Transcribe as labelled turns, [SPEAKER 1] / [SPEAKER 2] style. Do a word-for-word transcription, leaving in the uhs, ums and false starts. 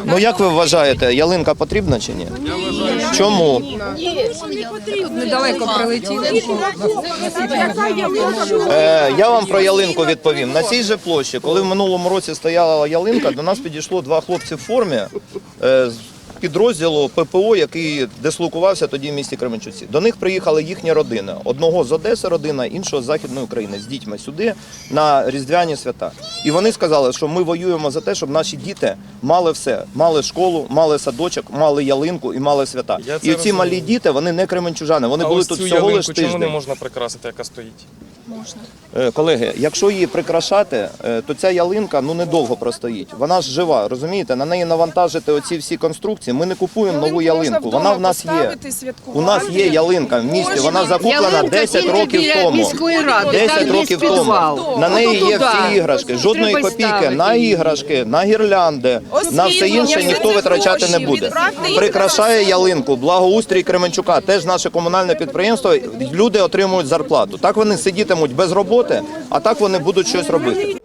[SPEAKER 1] Ну як ви вважаєте, ялинка потрібна чи ні? Я вважаю. Чому?
[SPEAKER 2] Недалеко прилетіли.
[SPEAKER 1] Е, я вам про ялинку відповім. На цій же площі, коли в минулому році стояла ялинка, до нас підійшло два хлопці в формі е, з підрозділу ППО, який дислокувався тоді в місті Кременчуці. До них приїхала їхня родина. Одного з Одеси родина, іншого з Західної України, з дітьми сюди на Різдвяні свята. І вони сказали, що ми воюємо за те, щоб наші діти мали все. Мали школу, мали садочок, мали ялинку і мали свята. І ці малі діти, вони не кременчужани, вони
[SPEAKER 3] а
[SPEAKER 1] були
[SPEAKER 3] ось
[SPEAKER 1] тут
[SPEAKER 3] цю
[SPEAKER 1] всього
[SPEAKER 3] ялинку
[SPEAKER 1] лиш тиждень.
[SPEAKER 3] чому не можна прикрасити, яка стоїть?
[SPEAKER 2] Можна.
[SPEAKER 1] Е, Колеги, якщо її прикрашати, е, то ця ялинка ну недовго простоїть. Вона ж жива, розумієте? На неї навантажити оці всі конструкції. Ми не купуємо нову ялинку. Вона в нас є. У нас є ялинка в місті. Вона закуплена десять років тому. десять років тому. На неї є всі іграшки. Жодної копійки на іграшки, на гірлянди, на все інше ніхто витрачати не буде. Прикрашає ялинку благоустрій Кременчука, теж наше комунальне підприємство. Люди отримують зарплату. Так вони сидітимуть без роботи, а так вони будуть щось робити.